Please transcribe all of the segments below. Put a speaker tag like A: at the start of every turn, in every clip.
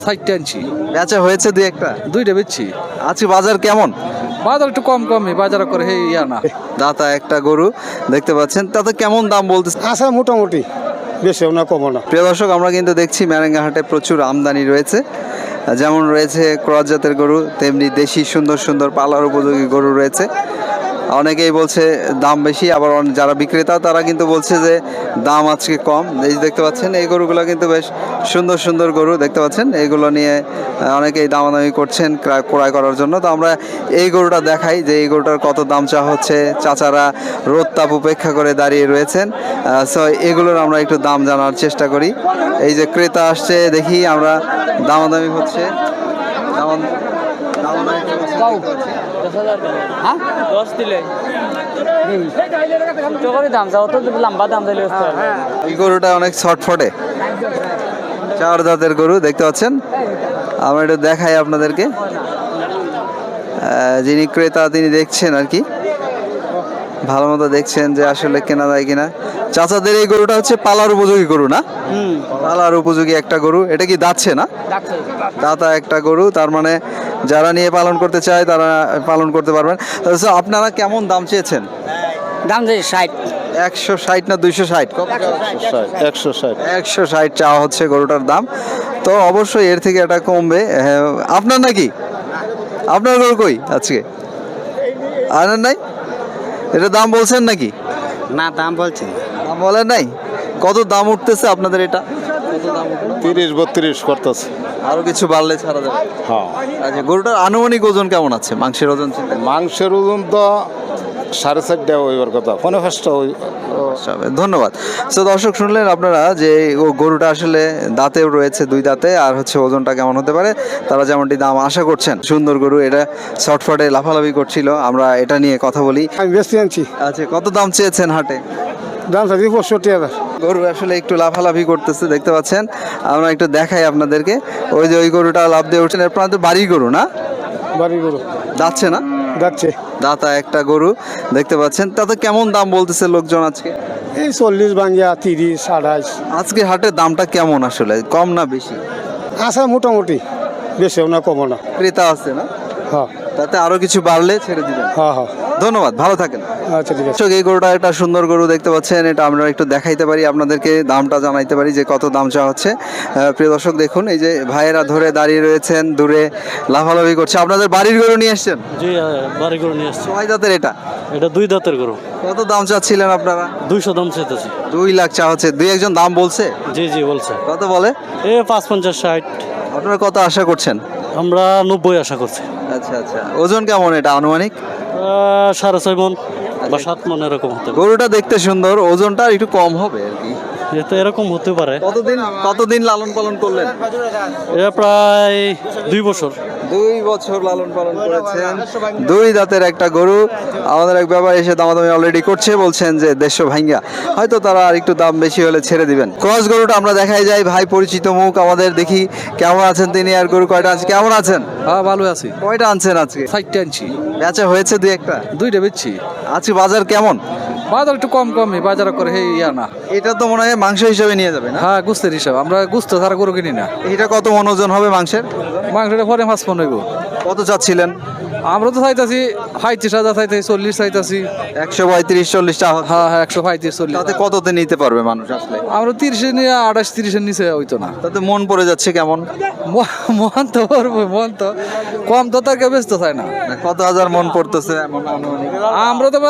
A: 60 আনছি।
B: বেচা হয়েছে দুই একটা?
A: দুইটা বেচছি।
B: আজকে বাজার কেমন?
A: বাজার একটু কমই বাজার করে হে ইয়া না।
B: দাতা একটা গরু দেখতে পাচ্ছেন, তাতে কেমন দাম বলতেছে?
C: আচ্ছা মোটামুটি, বেশি না কমও না।
B: প্রিয় দর্শক, আমরা কিন্তু দেখছি ম্যারেঙ্গা হাটে প্রচুর আমদানি রয়েছে। যেমন রয়েছে ক্রস জাতের গরু, তেমনি দেশি সুন্দর সুন্দর পালার উপযোগী গরু রয়েছে। অনেকেই বলছে দাম বেশি, আবার যারা বিক্রেতা তারা কিন্তু বলছে যে দাম আজকে কম। এই যে দেখতে পাচ্ছেন এই গরুগুলো কিন্তু বেশ সুন্দর সুন্দর গরু দেখতে পাচ্ছেন, এইগুলো নিয়ে অনেকেই দামাদামি করছেন ক্রয় করার জন্য। তো আমরা এই গরুটা দেখাই যে এই গরুটার কত দাম চাওয়া হচ্ছে। চাচারা রোদ তাপ উপেক্ষা করে দাঁড়িয়ে রয়েছেন। সো এগুলোর আমরা একটু দাম জানার চেষ্টা করি। এই যে ক্রেতা আসছে, দেখি আমরা দামাদামি হচ্ছে। এই গরুটা অনেক ছটফটে, চার দাঁতের গরু দেখতে পাচ্ছেন। আমরা এটা দেখাই আপনাদেরকে। যিনি ক্রেতা তিনি দেখছেন আর কি, ভালো মতো দেখছেন যে আসলে কেনা যায় কিনা। চাচাদের এই গরুটা হচ্ছে পালার উপযোগী গরু না? পালার উপযোগী একটা গরু। এটা কি দাঁতছে না? দাতা একটা গরু, তার মানে যারা নিয়ে পালন করতে চায় তারা পালন করতে পারবেন। তো আপনারা কেমন দাম চেয়েছেন?
D: দাম যে 60।
B: 160 না 260?
C: 160।
B: 160 চাওয়া হচ্ছে গরুটার দাম। তো অবশ্যই এর থেকে এটা কমবে। হ্যাঁ, আপনার নাকি? আপনার গরু কই আজকে আনেন নাই? এটা দাম বলছেন নাকি?
D: না, দাম বলছেন।
B: দাম বলেন নাই? কত দাম উঠতেছে আপনাদের এটা?
C: 30-32 করতেছে।
B: আরো কিছু বাড়লে ছাড়া যাবে?
C: হ্যাঁ।
B: আচ্ছা, গরুটার আনুমানিক ওজন কেমন আছে? মাংসের ওজন চিন্তা করুন।
C: মাংসের ওজন তো 4.5 হইবার কথা, 5.5 হই।
B: ধন্যবাদ। তো দর্শক শুনলেন আপনারা যে ও গরুটা আসলে দাঁতেও রয়েছে, দুই দাঁতে, আর হচ্ছে ওজনটা কেমন হতে পারে তারা যেমনটি দাম আশা করছেন। সুন্দর গরু, এটা শর্টফটে লাফালাফি করছিল, আমরা এটা নিয়ে কথা বলি।
C: আমি বেশি আনছি।
B: আচ্ছা, কত দাম চেয়েছেন হাটে?
C: দাম চাইছি 65,000।
B: গরু আসলে একটু লাফালাফি করতেছে দেখতে পাচ্ছেন। আমরা একটু দেখাই আপনাদেরকে। ওই যে ওই গরুটা লাফ দিয়ে উঠছেন, আপনার তো বাড়ির গরু না?
C: বাড়ি গরু
B: যাচ্ছে না?
C: যাচ্ছে।
B: দাতা একটা গরু দেখতে পাচ্ছেন, তাতে কেমন দাম বলতেছে লোকজন আজকে?
C: এই 40 ভাঙ্গিয়া 30, 28।
B: আজকে হাটের দামটা কেমন আসলে, কম না বেশি?
C: আচ্ছা মোটামুটি, বেশি না কমও না।
B: ক্রেতা আছে না?
C: হ্যাঁ
B: তাতে আরো কিছু বাড়লে ছেড়ে দিবেন।
C: হ্যাঁ হ্যাঁ।
B: ধন্যবাদ, ভালো থাকেন।
C: আচ্ছা ঠিক আছে।
B: দর্শক, এই গরুটা একটা সুন্দর গরু দেখতে পাচ্ছেন, এটা আমরা একটু দেখাইতে পারি আপনাদেরকে, দামটা জানাইতে পারি যে কত দাম চাওয়া হচ্ছে। প্রিয় দর্শক দেখুন, এই যে ভাইয়েরা ধরে দাঁড়িয়ে রয়েছেন, দূরে লাফালাফি করছে। আপনাদের বাড়ির গরু নিয়ে এসছেন?
E: জি, বাড়ি গরু নিয়ে আসছি।
B: কয় দাঁতের এটা?
E: এটা 2 দাঁতের গরু।
B: কত দাম চাচ্ছিলেন আপনারা?
E: 200 দাম চাইতেছি।
B: 2 লাখ চাওয়া হচ্ছে। দুই একজন দাম বলছে?
E: জি জি বলছে।
B: কত বলে?
E: 55, 60।
B: আপনারা কত আশা করছেন?
E: আমরা 90 আশা করছি।
B: আচ্ছা আচ্ছা, ওজন কেমন এটা আনুমানিক?
E: 6.5 মন বা 7 মন এরকম হতে পারে।
B: গরুটা দেখতে সুন্দর, ওজনটা একটু কম হবে আর কি।
E: এটা এরকম হতে পারে।
B: কতদিন লালন পালন করলেন?
E: এটা প্রায় 2 বছর।
B: 2 বছর লালন পালন করেছেন। 2 দাঁতের একটা গরু। আমাদের এক ব্যাপারী এসে দামাদামি অলরেডি করছে, বলছেন যে 150 ভাঙ্গা, হয়তো তারা আর একটু দাম বেশি হলে ছেড়ে দিবেন। ক্রস গরুটা আমরা দেখাই যাই, ভাই পরিচিত মুখ আমাদের, দেখি কেমন আছেন তিনি। আর গরু কয়টা আছে? কেমন আছেন?
A: হ্যাঁ, ভালো আছি।
B: কয়টা আনছেন আজকে?
A: 60 আনছি।
B: বেচা হয়েছে দুই একটা?
A: দুইটা বেচছি।
B: আজকে বাজার কেমন?
A: বাজার একটু কমই বাজার করে হে ইয়া না।
B: এটা তো মনে হয় মাংস হিসেবে নিয়ে যাবে না?
A: হ্যাঁ, গুস্তের হিসাব। আমরা গুস্ত ছাড়া গরু কিনি না।
B: এটা কত মন ওজন হবে মাংসের?
A: মাংসটা পরে 5 মন হইব।
B: কত চাচ্ছিলেন?
A: আমরা তো চাইতাছি 35,000 চাইতাছি, 40 চাইতাছি।
B: 135-40 টাকা।
A: হ্যাঁ হ্যাঁ, 135-40।
B: তাতে কততে নিতে পারবে মানুষ আসলে?
A: আমরা 30 নিয়ে 28-30 নিচে হইতো না।
B: তাতে মন পড়ে যাচ্ছে কেমন?
A: মন তো পড়বো, মন তো কম তো তার কেউ ব্যস্ত চায় না।
B: কত হাজার মন পড়তেছে এমন আনুমানিক?
A: আমরা তো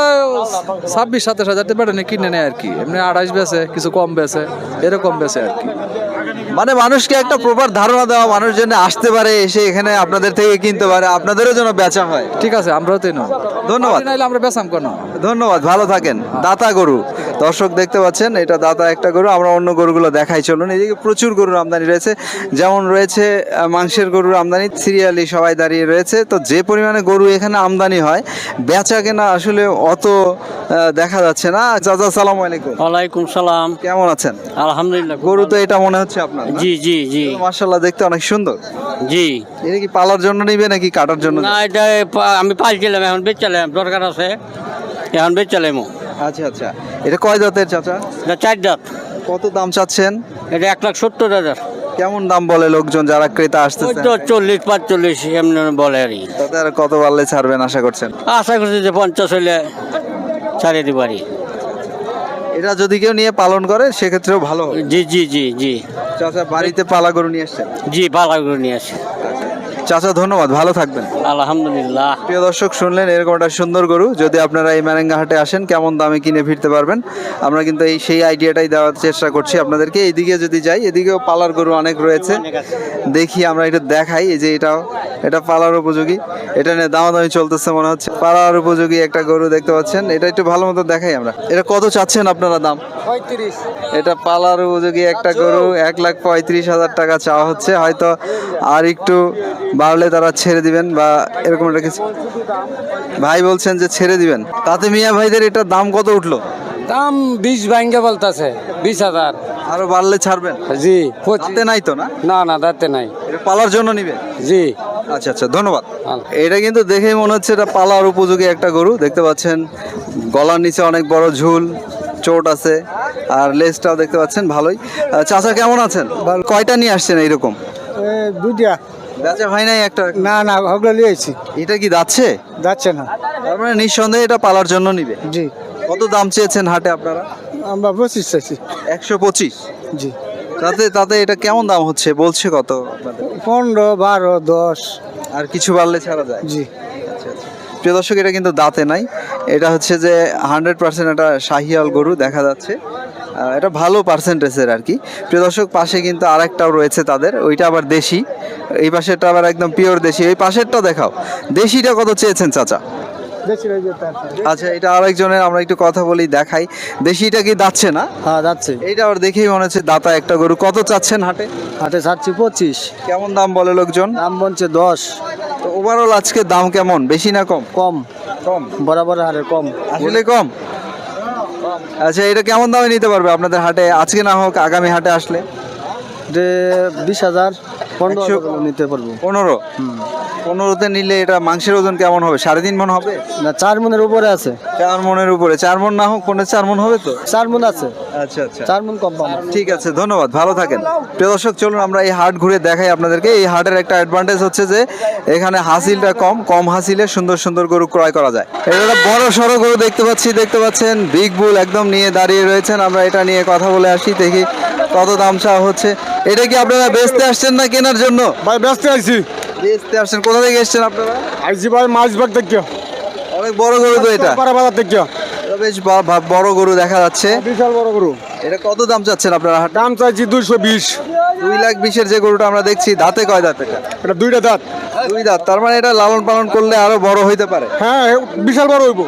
A: 26-27 হাজার বেটা নিয়ে কিনে নেয় আর কি। এমনি 28 বেছে, কিছু কম বেছে, এরকম বেছে আর কি।
B: মানে মানুষকে একটা প্রপার ধারণা দেওয়া, মানুষ যেন আসতে পারে, এসে এখানে আপনাদের থেকে কিনতে পারে, আপনাদেরও যেন বেচা হয়।
A: ঠিক আছে, আমরাও তো নেব।
B: ধন্যবাদ।
A: নাইলে আমরা বেচাম কেন?
B: ধন্যবাদ, ভালো থাকেন। দাতা গরু দর্শক দেখতে পাচ্ছেন, এটা দাতা একটা গরু। আমরা অন্য গরুগুলো দেখাই চলুন। এদিকে প্রচুর গরুর আমদানি রয়েছে, যেমন রয়েছে মাংসের গরুর আমদানি, সিরিয়ালি সবাই দাঁড়িয়ে রয়েছে। তো যে পরিমাণে গরু এখানে আমদানি হয়, বেচা কেনা আসলে অত দেখা যাচ্ছে না। চাচা, আসসালামু আলাইকুম।
D: ওয়ালাইকুম সালাম।
B: কেমন আছেন?
D: আলহামদুলিল্লাহ।
B: গরু তো এটা মনে হচ্ছে আপনার, না?
D: জি জি জি
B: মাশাআল্লাহ, দেখতে অনেক সুন্দর।
D: জি।
B: এটা কি পালার জন্য নিবে নাকি কাটার জন্য?
D: না, এটা আমি পাইছিলাম, এখন বেচালাম, দরকার আছে, এখন বেচালাম।
B: আচ্ছা আচ্ছা, এটা কয় দাঁতের চাচা?
D: এটা 4 দাঁত।
B: কত দাম চাচ্ছেন?
D: এটা 1,70,000।
B: কেমন দাম বলে লোকজন যারা ক্রেতা
D: ওই
B: আসতেছে?
D: তো 40-45 এমনি বলে আর কি।
B: তাতে আর কত বাড়লে ছাড়বেন আশা করছেন?
D: আশা করছি যে 50 হইলে ছাড়িয়ে দিতে পারি।
B: এটা যদি কেউ নিয়ে পালন করে সেক্ষেত্রেও ভালো হবে।
D: জি জি জি জি
B: চাচা বাড়িতে পালা গরু নিয়ে আসছেন?
D: জি, পালা করে নিয়ে আসি।
B: চাচা ধন্যবাদ, ভালো থাকবেন।
D: আলহামদুলিল্লাহ।
B: প্রিয় দর্শক, শুনলেন এরকম একটা সুন্দর গরু। যদি আপনারা এই ম্যারেঙ্গা হাটে আসেন কেমন দামে কিনে ফিরতে পারবেন, আমরা কিন্তু সেই আইডিয়াটাই দেওয়ার চেষ্টা করছি আপনাদেরকে। এইদিকে যদি যাই, এদিকেও পালার গরু অনেক রয়েছে, দেখি আমরা একটু দেখাই। এই যে এটা পালার উপযোগী, এটা নিয়ে দামাদামি চলতেছে মনে হচ্ছে। পালার উপযোগী একটা গরু দেখতে পাচ্ছেন, এটা একটু ভালো মতো দেখাই আমরা। এটা কত চাচ্ছেন আপনারা দাম?
D: 35।
B: এটা পালার উপযোগী একটা গরু, 1,35,000 টাকা চাওয়া হচ্ছে। হয়তো আর একটু বাড়লে তারা ছেড়ে দিবেন বা এরকম একটা কিছু। ভাই বলছেন যে ছেড়ে দিবেন। তাতে মিয়া ভাইদের এটার দাম কত উঠলো?
F: দাম 20 ভাঙ্গে বলতেছে, 20,000।
B: আরো বাড়লে ছাড়বেন?
F: জি,
B: তাতে নাই তো না?
F: না না, দাঁতে নাই।
B: এটা পালার জন্য নিবে?
F: জি।
B: আচ্ছা আচ্ছা, ধন্যবাদ। এটা কিন্তু দেখেই মনে হচ্ছে এটা পালার উপযোগী একটা গরু। দেখতে পাচ্ছেন গলার নিচে অনেক বড় ঝুল, চোট আছে, আর লেজটাও দেখতে পাচ্ছেন ভালোই। চাচা কেমন আছেন? কয়টা নিয়ে আসছেন এইরকম?
F: দুইটা।
B: বেচা ভাই নাই একটা?
F: না না, ওগুলো লিয়েছি।
B: এটা কি যাচ্ছে?
F: যাচ্ছে না।
B: তার মানে নিঃসন্দেহে এটা পালার জন্য নিবে।
F: জি।
B: কত দাম চেয়েছেন হাটে আপনারা?
F: আমরা 25 চাইছি।
B: 125?
F: জি।
B: তাতে এটা কেমন দাম হচ্ছে, বলছে কত আপনাদের?
F: 15, 12, 10।
B: আর কিছু বাড়লে ছাড়া যায়?
F: জি।
B: আচ্ছা আচ্ছা। প্রিয় দর্শক, এটা কিন্তু দাঁতে নাই। এটা হচ্ছে যে 100% একটা শাহিয়াল গরু দেখা যাচ্ছে। এটা ভালো পার্সেন্টেজের আর কি। প্রিয় দর্শক, পাশে কিন্তু আরেকটাও রয়েছে তাদের, ওইটা আবার দেশি। এই পাশেরটা আবার একদম পিওর দেশি। এই পাশেরটা দেখাও। দেশিটা কত চেয়েছেন চাচা? আচ্ছা, এটা আরেকজনের, আমরা একটু কথা বলি, দেখাই। দেশিটা কি দাচ্ছে না?
F: হ্যাঁ, যাচ্ছে।
B: এইটা আবার দেখেই মনে হচ্ছে দাতা একটা গরু। কত চাচ্ছেন হাটে?
F: হাটে ছাড়ছি 25।
B: কেমন দাম বলে লোকজন?
F: দাম বলছে 10।
B: তো ওভারঅল আজকে দাম কেমন, বেশি না কম?
F: কম।
B: কম?
F: বরাবর হারে কম।
B: আসলে কম। আচ্ছা, এটা কেমন দামে নিতে পারবে আপনাদের হাটে, আজকে না হোক আগামী হাটে আসলে?
F: যে 20,000, 15,000 নিতে পারবো।
B: 15? 15তে নিলে এটা মাংসের ওজন কেমন হবে? 3.5 মণ হবে?
F: না, 4 মনের উপরে আছে।
B: 4 মণের উপরে? 4 মণ না হোক 4 মণ হবে তো?
F: 4 মন আছে।
B: আচ্ছা আচ্ছা,
F: 4 মন কম পাবো।
B: ঠিক আছে, ধন্যবাদ, ভালো থাকেন। প্রিয় দর্শক, চলুন আমরা এই হাট ঘুরে দেখাই আপনাদেরকে। এই হাটের একটা অ্যাডভান্টেজ হচ্ছে যে এখানে হাসিলটা কম হাসিলে সুন্দর সুন্দর গরু ক্রয় করা যায়। এটা একটা বড় সড়ো গরু দেখতে পাচ্ছেন, বিগ বুল একদম নিয়ে দাঁড়িয়ে রয়েছেন। আমরা এটা নিয়ে কথা বলে আসি, দেখি কত দাম চাওয়া হচ্ছে। এটা কি আপনারা বেচতে আসছেন না কেনার জন্য?
F: ভাই ব্যস্ত আছি।
B: বেচতে আসছেন। কোথা থেকে এসছেন আপনারা?
F: আইছি ভাই মাছবাগ থেকে।
B: অনেক বড় গরু তো এটা।
F: বাজার থেকে।
B: এটা বেশ বড় গরু দেখা যাচ্ছে।
F: বিশাল বড় গরু।
B: এটা কত দাম চাচ্ছেন আপনারা?
F: দাম চাইছি 220।
B: 2,20,000 যে গরুটা আমরা দেখছি, দাঁতে কয় দাঁত এটা?
F: এটা দুইটা দাঁত।
B: 2 দাঁত। তার মানে এটা লালন পালন করলে আরো বড় হইতে পারে।
F: হ্যাঁ, বিশাল বড় হইব।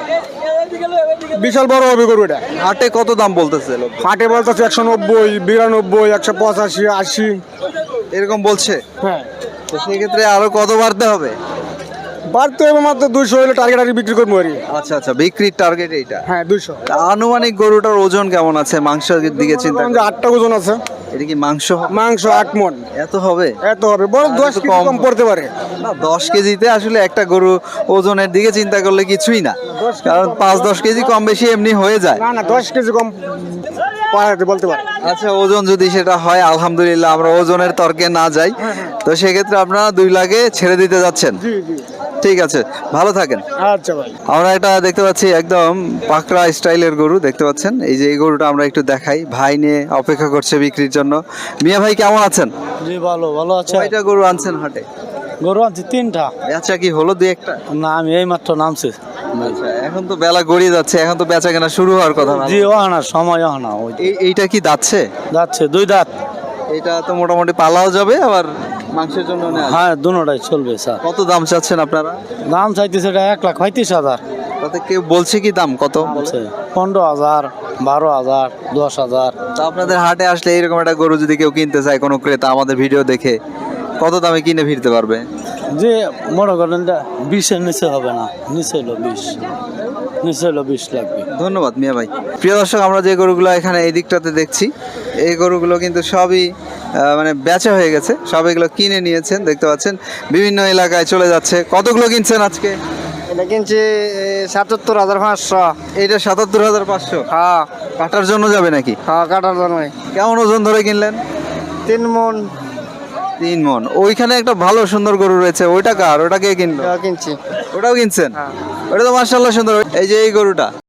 F: বিশাল বড় হবে গরু এটা।
B: হাটে কত দাম বলতেছে লোক?
F: হাটে বলতেছে 190, 92, 185, 80
B: এরকম বলছে।
F: হ্যাঁ,
B: তো সেক্ষেত্রে আরো কত বাড়তে হবে?
F: বাড়তে হবে মাত্র 200 হলে টার্গেট আর বিক্রি করবো আর কি।
B: আচ্ছা আচ্ছা, বিক্রির টার্গেট এইটা।
F: হ্যাঁ, 200।
B: তা আনুমানিক গরুটার ওজন কেমন আছে মাংসের দিকে চিন্তা
F: যে
B: করলে?
F: 8টা ওজন আছে।
B: এটা কি মাংস হবে?
F: মাংস 8 মণ।
B: এত হবে?
F: এত হবে, বড় 10 কেজি কম পড়তে পারে।
B: না, 10 কেজিতে আসলে একটা গরু ওজনের দিকে চিন্তা করলে কিছুই না, কারণ 5-10 কেজি কম বেশি এমনি হয়ে যায়।
F: না না, 10 কেজি কম পারে বলতে পারে।
B: আচ্ছা, ওজন যদি সেটা হয় আলহামদুলিল্লাহ, আমরা ওজনের তর্কে না যাই। তো সেক্ষেত্রে আপনারা 2 লাখে ছেড়ে দিতে যাচ্ছেন?
F: জি জি।
B: ঠিক আছে, ভালো থাকেন।
F: আচ্ছা ভাই।
B: আমরা এটা দেখতে পাচ্ছি একদম পাকড়া স্টাইলের গরু দেখতে পাচ্ছেন। এই যে এই গরুটা আমরা একটু দেখাই, ভাই নিয়ে অপেক্ষা করছে বিক্রির জন্য। মিয়া ভাই কেমন আছেন?
E: জি, ভালো আছে।
B: কয়টা গরু আনছেন হাটে?
E: গরু আনছি 3টা।
B: বেচা কি হলো 2-1টা?
E: না, আমি এই মাত্র নামছি।
B: আচ্ছা, এখন তো বেলা গড়িয়ে যাচ্ছে, এখন তো বেচা কেনা শুরু হওয়ার কথা না?
E: জি, ওহানা সময় ওহানা ওই
B: এইটা কি দাচ্ছে?
E: যাচ্ছে 2 দাঁত।
B: এটা তো মোটামুটি পালাও যাবে, আবার মাংসের জন্য নেওয়া যাবে।
E: হ্যাঁ, দুটোটাই চলবে স্যার।
B: কত দাম চাচ্ছেন আপনারা?
E: দাম চাইতেছে এটা 1,35,000।
B: তাতে কেউ বলছে কি দাম কত?
E: বলছে 15,000, 12,000, 10,000।
B: তা আপনাদের হাটে আসলে এরকম একটা গরু যদি কেউ কিনতে চায়, কোনো ক্রেতা আমাদের ভিডিও দেখে, কত দামে কিনে ফিরতে পারবে?
E: যে মনে করেন 20-এর নিচে হবে না, নিচে হলো 20, নিচে হলো 20 লাগবে।
B: ধন্যবাদ মিয়া ভাই। প্রিয় দর্শক, আমরা যে গরুগুলো এখানে এই দিকটাতে দেখছি, এই গরুগুলো কিন্তু সবই মানে বেচা হয়ে গেছে, সব এগুলো কিনে নিয়েছেন দেখতে পাচ্ছেন, বিভিন্ন এলাকায় চলে যাচ্ছে। কতগুলো কিনছেন আজকে?
F: এটা কিনছি 77,500।
B: এইটা 77,500?
F: হ্যাঁ
B: কাটার জন্য যাবে নাকি?
F: হ্যাঁ, কাটার জন্য।
B: কেমন ওজন ধরে কিনলেন?
F: 3 মণ।
B: 3 মন। ওইখানে একটা ভালো সুন্দর গরু রয়েছে, ওইটা কার? ওটা কে কিনলো?
G: কিনছি।
B: ওটাও কিনছেন? ওটা তো মাশাআল্লাহ সুন্দর। এই যে এই গরুটা